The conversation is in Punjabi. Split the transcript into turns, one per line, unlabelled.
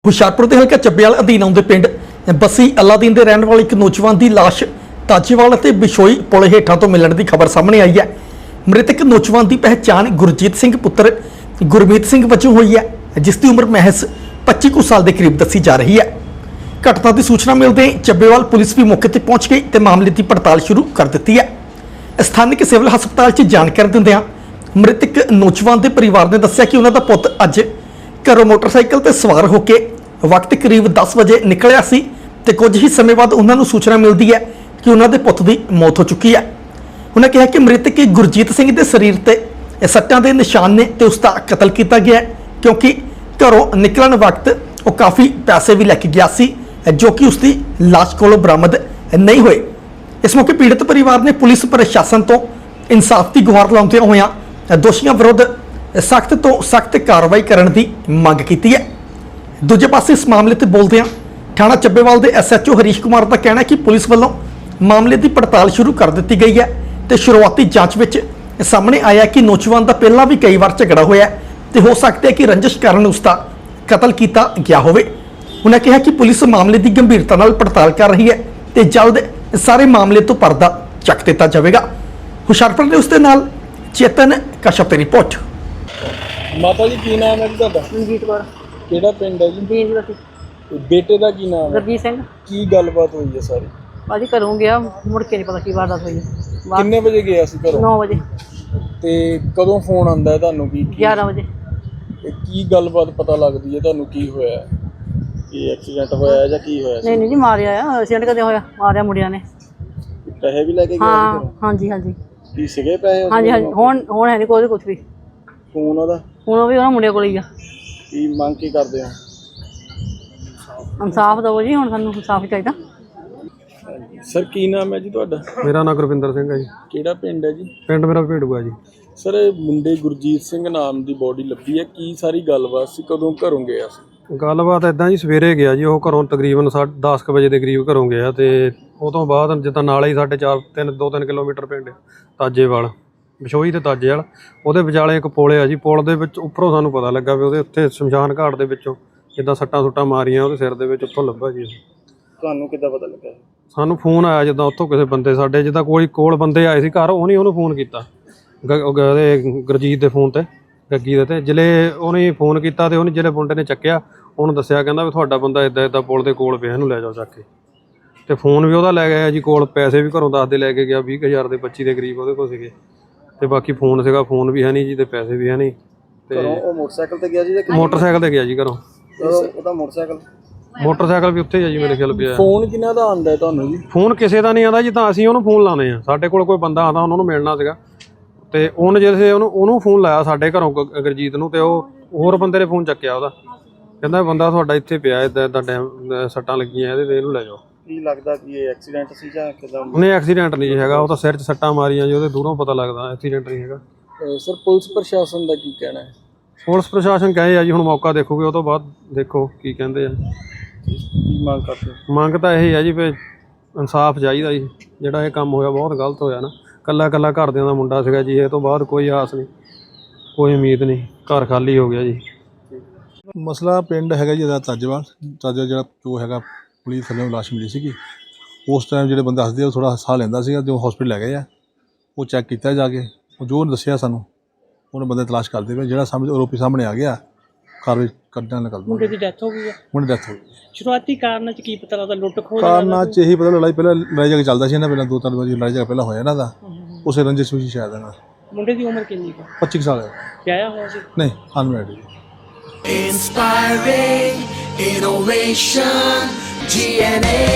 ਹੁਸ਼ਿਆਰਪੁਰ ਦੇ ਹਲਕਾ ਚੱਬੇਵਾਲ ਅਧੀਨ ਆਉਂਦੇ ਪਿੰਡ ਬਸੀ ਅਲਾਦੀਨ ਦੇ ਰਹਿਣ ਵਾਲੇ ਇੱਕ ਨੌਜਵਾਨ ਦੀ ਲਾਸ਼ ਤਾਜੇਵਾਲ ਅਤੇ ਬਿਸ਼ੋਈ ਪੁਲ ਹੇਠਾਂ ਤੋਂ ਮਿਲਣ ਦੀ ਖਬਰ ਸਾਹਮਣੇ ਆਈ ਹੈ। ਮ੍ਰਿਤਕ ਨੌਜਵਾਨ ਦੀ ਪਹਿਚਾਣ ਗੁਰਜੀਤ ਸਿੰਘ ਪੁੱਤਰ ਗੁਰਮੀਤ ਸਿੰਘ ਵਜੋਂ ਹੋਈ ਹੈ, ਜਿਸ ਦੀ ਉਮਰ ਮਹਿਜ਼ 25 ਕੁ ਸਾਲ ਦੇ ਕਰੀਬ ਦੱਸੀ ਜਾ ਰਹੀ ਹੈ। ਘਟਨਾ ਦੀ ਸੂਚਨਾ ਮਿਲਦੇ ਹੀ ਚੱਬੇਵਾਲ ਪੁਲਿਸ ਵੀ ਮੌਕੇ ਤੇ ਪਹੁੰਚ ਗਈ ਤੇ ਮਾਮਲੇ ਦੀ ਪੜਤਾਲ ਸ਼ੁਰੂ ਕਰ ਦਿੱਤੀ ਹੈ। ਸਥਾਨਕ ਸਿਵਲ ਹਸਪਤਾਲ 'ਚ ਜਾਣਕਾਰੀ ਦਿੰਦਿਆਂ ਮ੍ਰਿਤਕ ਨੌਜਵਾਨ ਦੇ ਪਰਿਵਾਰ ਨੇ ਦੱਸਿਆ ਕਿ ਉਹਨਾਂ ਦਾ ਪੁੱਤ ਅੱਜ ਘਰੋਂ ਮੋਟਰਸਾਈਕਲ ਤੇ ਸਵਾਰ ਹੋ ਕੇ ਵਕਤ ਕਰੀਬ 10 ਵਜੇ ਨਿਕਲਿਆ ਸੀ ਤੇ ਕੁਝ ਹੀ ਸਮੇਂ ਬਾਅਦ ਉਹਨਾਂ ਨੂੰ ਸੂਚਨਾ ਮਿਲਦੀ ਹੈ ਕਿ ਉਹਨਾਂ ਦੇ ਪੁੱਤ ਦੀ ਮੌਤ ਹੋ ਚੁੱਕੀ ਹੈ। ਉਹਨਾਂ ਕਿਹਾ ਕਿ ਮ੍ਰਿਤਕ ਗੁਰਜੀਤ ਸਿੰਘ ਦੇ ਸਰੀਰ ਤੇ ਸੱਟਾਂ ਦੇ ਨਿਸ਼ਾਨ ਨੇ ਤੇ ਉਸ ਦਾ ਕਤਲ ਕੀਤਾ ਗਿਆ ਹੈ, ਕਿਉਂਕਿ ਘਰੋਂ ਨਿਕਲਣ ਵਕਤ ਉਹ ਕਾਫੀ ਪੈਸੇ ਵੀ ਲੈ ਕੇ ਗਿਆ ਸੀ ਜੋ ਕਿ ਉਸ ਦੀ ਲਾਸ਼ ਕੋਲੋਂ ਬਰਾਮਦ ਨਹੀਂ ਹੋਏ। ਇਸ ਮੌਕੇ ਪੀੜਤ ਪਰਿਵਾਰ ਨੇ ਪੁਲਿਸ ਪ੍ਰਸ਼ਾਸਨ ਤੋਂ ਇਨਸਾਫ ਦੀ ਗੁਹਾਰ ਲਾਉਂਦਿਆਂ ਹੋਇਆਂ ਦੋਸ਼ੀਆਂ ਵਿਰੁੱਧ ਸਖਤ ਤੋਂ ਸਖਤ ਕਾਰਵਾਈ ਕਰਨ ਦੀ ਮੰਗ ਕੀਤੀ ਹੈ। ਦੂਜੇ ਪਾਸੇ ਇਸ ਮਾਮਲੇ ਤੇ ਬੋਲਦਿਆਂ ਥਾਣਾ ਚੱਬੇਵਾਲ ਦੇ ਐਸਐਚਓ ਹਰੀਸ਼ ਕੁਮਾਰ ਦਾ ਕਹਿਣਾ ਹੈ ਕਿ ਪੁਲਿਸ ਵੱਲੋਂ ਮਾਮਲੇ ਦੀ ਪੜਤਾਲ ਸ਼ੁਰੂ ਕਰ ਦਿੱਤੀ ਗਈ ਹੈ ਤੇ ਸ਼ੁਰੂਆਤੀ ਜਾਂਚ ਵਿੱਚ ਸਾਹਮਣੇ ਆਇਆ ਕਿ ਨੌਜਵਾਨ ਦਾ ਪਹਿਲਾਂ ਵੀ ਕਈ ਵਾਰ ਝਗੜਾ ਹੋਇਆ ਹੈ ਤੇ ਹੋ ਸਕਦਾ ਹੈ ਕਿ ਰੰਜਿਸ਼ ਕਾਰਨ ਉਸ ਦਾ ਕਤਲ ਕੀਤਾ ਗਿਆ ਹੋਵੇ। ਉਹਨਾਂ ਕਿਹਾ ਕਿ ਪੁਲਿਸ ਮਾਮਲੇ ਦੀ ਗੰਭੀਰਤਾ ਨਾਲ ਪੜਤਾਲ ਕਰ ਰਹੀ ਹੈ ਤੇ ਜਲਦ ਸਾਰੇ ਮਾਮਲੇ ਤੋਂ ਪਰਦਾ ਚੱਕ ਦਿੱਤਾ ਜਾਵੇਗਾ। ਹੁਸ਼ਿਆਰਪੁਰ ਦੇ ਉਸ ਦੇ ਨਾਲ ਚੇਤਨ ਕਸ਼ਪ ਦੀ ਰਿਪੋਰਟ।
ਮਾਤਾ ਜੀ ਕੀ ਨਾਮ ਹੈ ਜੀ ਤੁਹਾਡਾ?
ਮਨਜੀਤ ਕੌਰ।
ਕਿਹੜਾ ਪਿੰਡ ਹੈ ਜੀ?
ਜੀਂਦ ਵਸੀ।
ਤੇ ਬੇਟੇ ਦਾ ਕੀ ਨਾਮ ਹੈ?
ਗੁਰਜੀਤ ਸਿੰਘ।
ਕੀ ਗੱਲਬਾਤ ਹੋਈ ਹੈ ਸਾਰੀ?
ਭਾਜੀ ਘਰੋਂ ਗਿਆ, ਮੁੜ ਕੇ ਨਹੀਂ ਪਤਾ ਕੀ ਵਾਰਦਾਤ ਹੋਈ ਹੈ।
ਕਿੰਨੇ ਵਜੇ ਗਿਆ ਸੀ ਘਰੋਂ?
9 ਵਜੇ।
ਤੇ ਕਦੋਂ ਫੋਨ ਆਂਦਾ ਹੈ ਤੁਹਾਨੂੰ? ਕੀ
11 ਵਜੇ।
ਤੇ ਕੀ ਗੱਲਬਾਤ ਪਤਾ ਲੱਗਦੀ ਹੈ ਤੁਹਾਨੂੰ? ਕੀ ਹੋਇਆ? ਕੀ ਐਕਸੀਡੈਂਟ ਹੋਇਆ ਜਾਂ ਕੀ ਹੋਇਆ ਸੀ?
ਨਹੀਂ ਜੀ ਮਾਰਿਆ ਆ, ਐਕਸੀਡੈਂਟ ਕਦੇ ਹੋਇਆ? ਮਾਰਿਆ ਮੁੰਡਿਆਂ ਨੇ।
ਪੈਸੇ ਵੀ ਲੈ ਕੇ ਗਿਆ
ਹਾਂ
ਸੀ?
ਹਾਂਜੀ ਹਾਂਜੀ
ਕੀ ਸੀਗੇ ਪੈਸੇ?
ਹਾਂਜੀ ਹਾਂਜੀ। ਹੁਣ ਹੈ ਨਹੀਂ ਕੋਈ ਕੁਝ ਵੀ।
ਫੋਨ ਉਹਦਾ?
ਹੁਣ ਉਹ ਵੀ ਉਹਨਾਂ ਮੁੰਡਿਆਂ ਕੋਲ ਹੀ ਆ।
ਕੀ ਮੰਗ ਕੀ ਕਰਦੇ ਹੋ?
ਇਨਸਾਫ ਦਿਓ ਜੀ, ਹੁਣ ਸਾਨੂੰ ਇਨਸਾਫ ਚਾਹੀਦਾ।
ਸਰ ਕੀ ਨਾਮ ਹੈ ਜੀ ਤੁਹਾਡਾ?
ਮੇਰਾ ਨਾਮ ਗੁਰਵਿੰਦਰ ਸਿੰਘ ਹੈ ਜੀ।
ਕਿਹੜਾ ਪਿੰਡ ਹੈ ਜੀ?
ਪਿੰਡ ਮੇਰਾ ਭੇੜੂਆ ਜੀ।
ਸਰ ਮੁੰਡੇ ਗੁਰਜੀਤ ਸਿੰਘ ਨਾਮ ਦੀ ਬੋਡੀ ਲੱਭੀ ਹੈ, ਕੀ ਸਾਰੀ ਗੱਲਬਾਤ ਸੀ? ਕਦੋਂ ਘਰੋਂ ਗਿਆ ਸੀ?
ਗੱਲਬਾਤ ਇੱਦਾਂ ਜੀ, ਸਵੇਰੇ ਗਿਆ ਜੀ ਉਹ ਘਰੋਂ ਤਕਰੀਬਨ 10:00 ਵਜੇ ਦੇ ਕਰੀਬ ਘਰੋਂ ਗਿਆ ਤੇ ਉਹ ਤੋਂ ਬਾਅਦ ਜਿੱਦਾਂ ਨਾਲ ਹੀ 2-3 ਕਿਲੋਮੀਟਰ ਪਿੰਡ ਤਾਜੇਵਾਲ, ਬਿਸ਼ੋਈ ਤੇ ਤਾਜੇਵਾਲ, ਉਹਦੇ ਵਿਚਾਲੇ ਇੱਕ ਪੁਲ ਆ ਜੀ। ਪੁਲ ਦੇ ਵਿੱਚ ਉੱਪਰੋਂ ਸਾਨੂੰ ਪਤਾ ਲੱਗਾ ਵੀ ਉਹਦੇ ਉੱਤੇ ਸ਼ਮਸ਼ਾਨ ਘਾਟ ਦੇ ਵਿੱਚੋਂ ਜਿੱਦਾਂ ਸੱਟਾਂ ਮਾਰੀਆਂ ਉਹਦੇ ਸਿਰ ਦੇ ਵਿੱਚ, ਉੱਥੋਂ ਲੱਭਾ ਜੀ।
ਤੁਹਾਨੂੰ ਕਿੱਦਾਂ ਪਤਾ ਲੱਗਾ?
ਸਾਨੂੰ ਫੋਨ ਆਇਆ ਜਿੱਦਾਂ ਉੱਥੋਂ ਕਿਸੇ ਬੰਦੇ ਸਾਡੇ ਜਿੱਦਾਂ ਕੋਲ ਬੰਦੇ ਆਏ ਸੀ ਘਰ, ਉਹਨੂੰ ਫੋਨ ਕੀਤਾ ਉਹਦੇ ਗੁਰਜੀਤ ਦੇ ਫੋਨ ਤੇ, ਗੱਗੀ ਦੇ ਤੇ। ਜਿਲੇ ਉਹਨੇ ਫੋਨ ਕੀਤਾ ਤੇ ਉਹਨੇ ਜਿਹੜੇ ਮੁੰਡੇ ਨੇ ਚੱਕਿਆ ਉਹਨੂੰ ਦੱਸਿਆ, ਕਹਿੰਦਾ ਵੀ ਤੁਹਾਡਾ ਬੰਦਾ ਇੱਦਾਂ ਪੁਲ ਦੇ ਕੋਲ ਪਿਆ, ਇਹਨੂੰ ਲੈ ਜਾਓ ਚੱਕ ਕੇ। ਤੇ ਫੋਨ ਵੀ ਉਹਦਾ ਲੈ ਗਿਆ ਜੀ ਕੋਲ, ਪੈਸੇ ਵੀ ਘਰੋਂ 10 ਦੇ ਲੈ ਕੇ ਗਿਆ, 20,000 ਦੇ 25 ਦੇ ਕਰੀਬ ਉਹਦੇ ਕੋਲ ਸੀਗੇ। ਤੇ ਬਾਕੀ ਫੋਨ ਸੀਗਾ, ਫੋਨ ਵੀ ਹੈ ਨਹੀਂ ਜੀ ਤੇ ਪੈਸੇ ਵੀ ਹੈ ਨਹੀਂ। ਤੇ
ਉਹ ਮੋਟਰਸਾਈਕਲ ਤੇ ਗਿਆ ਜੀ?
ਮੋਟਰਸਾਈਕਲ ਤੇ ਗਿਆ ਜੀ ਘਰੋਂ।
ਉਹਦਾ ਮੋਟਰਸਾਈਕਲ
ਵੀ ਉੱਥੇ ਜੀ ਮੇਰੇ ਖਿਆਲ ਪਿਆ।
ਫੋਨ ਕਿਹਨਾਂ ਦਾ ਆਂਦਾ ਤੁਹਾਨੂੰ ਜੀ?
ਫੋਨ ਕਿਸੇ ਦਾ ਨਹੀਂ ਆਉਂਦਾ ਜੀ, ਤਾਂ ਅਸੀਂ ਉਹਨੂੰ ਫੋਨ ਲਾਉਂਦੇ ਆ। ਸਾਡੇ ਕੋਲ ਕੋਈ ਬੰਦਾ ਆਉਂਦਾ, ਉਹਨਾਂ ਨੂੰ ਮਿਲਣਾ ਸੀਗਾ ਤੇ ਉਹਨੇ ਜਿਹੜੇ ਉਹਨੂੰ ਫੋਨ ਲਾਇਆ ਸਾਡੇ ਘਰੋਂ ਗੁਰਜੀਤ ਨੂੰ, ਤੇ ਉਹ ਹੋਰ ਬੰਦੇ ਨੇ ਫੋਨ ਚੱਕਿਆ ਉਹਦਾ, ਕਹਿੰਦਾ ਬੰਦਾ ਤੁਹਾਡਾ ਇੱਥੇ ਪਿਆ, ਇੱਦਾਂ ਟਾਈਮ ਸੱਟਾਂ ਲੱਗੀਆਂ ਇਹਦੇ ਤੇ, ਇਹਨੂੰ ਲੈ ਜਾਓ।
ਕੀ ਲੱਗਦਾ ਕਿ ਇਹ ਐਕਸੀਡੈਂਟ ਸੀ ਜਾਂ ਕਿਦਾਂ?
ਨਹੀਂ ਐਕਸੀਡੈਂਟ ਨਹੀਂ ਹੈਗਾ, ਉਹ ਤਾਂ ਸਿਰ 'ਚ ਸੱਟਾਂ ਮਾਰੀਆਂ ਜੀ ਉਹਦੇ, ਦੂਰੋਂ ਪਤਾ ਲੱਗਦਾ ਐਕਸੀਡੈਂਟ ਨਹੀਂ ਹੈਗਾ।
ਸਰ ਪੁਲਿਸ ਪ੍ਰਸ਼ਾਸਨ ਦਾ ਕੀ ਕਹਿਣਾ ਹੈ?
ਪੁਲਿਸ ਪ੍ਰਸ਼ਾਸਨ ਕਹੇ ਆ ਜੀ ਹੁਣ ਮੌਕਾ ਦੇਖੋਗੇ, ਉਹ ਤੋਂ ਬਾਅਦ ਦੇਖੋ ਕੀ ਕਹਿੰਦੇ ਆ।
ਕੀ ਮੰਗ ਕਰਦੇ?
ਮੰਗ ਤਾਂ ਇਹ ਹੈ ਜੀ ਵੀ ਇਨਸਾਫ ਚਾਹੀਦਾ ਜੀ। ਜਿਹੜਾ ਇਹ ਕੰਮ ਹੋਇਆ ਬਹੁਤ ਗਲਤ ਹੋਇਆ ਨਾ। ਕੱਲਾ ਘਰਦਿਆਂ ਦਾ ਮੁੰਡਾ ਸੀਗਾ ਜੀ, ਇਹ ਤੋਂ ਬਾਅਦ ਕੋਈ ਆਸ ਨਹੀਂ, ਕੋਈ ਉਮੀਦ ਨਹੀਂ, ਘਰ ਖਾਲੀ ਹੋ ਗਿਆ ਜੀ।
ਮਸਲਾ ਪਿੰਡ ਹੈਗਾ ਜੀ ਇਹਦਾ ਤਾਜੇਵਾਲ ਜਿਹੜਾ ਜੋ ਹੈਗਾ ਪੁਲਿਸ ਥੱਲੇ ਲਾਸ਼ ਮਿਲੀ ਸੀਗੀ। ਉਸ ਟਾਈਮ ਜਿਹੜੇ ਬੰਦੇ ਦੱਸਦੇ ਉਹ ਥੋੜ੍ਹਾ ਸਾਹ ਲੈਂਦਾ ਸੀਗਾ, ਜੋ ਹਸਪੀਟਲ ਲੈ ਗਏ ਆ, ਉਹ ਚੈੱਕ ਕੀਤਾ ਜਾ ਕੇ, ਉਹ ਜੋ ਦੱਸਿਆ ਸਾਨੂੰ ਉਹਨੇ ਬੰਦੇ ਤਲਾਸ਼ ਕਰਦੇ ਪਏ। ਜਿਹੜਾ ਆਰੋਪੀ ਸਾਹਮਣੇ ਆ ਗਿਆ, ਕਾਰਵਾਈ ਕੱਢਣ ਨਿਕਲ।
ਮੁੰਡੇ ਦੀ ਡੈਥ ਹੋ ਗਈ ਹੈ।
ਮੁੰਡੇ ਡੈਥ ਹੋ ਗਈ।
ਸ਼ੁਰੂਆਤੀ ਕਾਰਨਾਂ 'ਚ ਕੀ ਪਤਾ ਲੱਗਦਾ? ਲੁੱਟ ਖੋਹ
ਕਾਰਨਾਂ 'ਚ ਇਹੀ ਪਤਾ ਪਹਿਲਾਂ ਲੜਾਈ ਝਗੜਾ ਚੱਲਦਾ ਸੀ ਇਹਨਾਂ, ਪਹਿਲਾਂ 2-3 ਵਾਰੀ ਲੜਾਈ ਝਗੜਾ ਪਹਿਲਾਂ ਹੋਇਆ ਇਹਨਾਂ ਦਾ, ਉਸੇ ਰੰਜਿਸ਼ ਵਿੱਚ ਸ਼ਾਇਦ ਇਹਨਾਂ।
ਮੁੰਡੇ ਦੀ ਉਮਰ ਕਿੰਨੀ ਹੈ?
25 ਸਾਲ ਹੈ।
ਵਿਆਹਿਆ ਹੋਇਆ ਸੀ?
ਨਹੀਂ, ਅਨਮੈਰਿਡ ਜੀ।
Inspiring innovation, GNA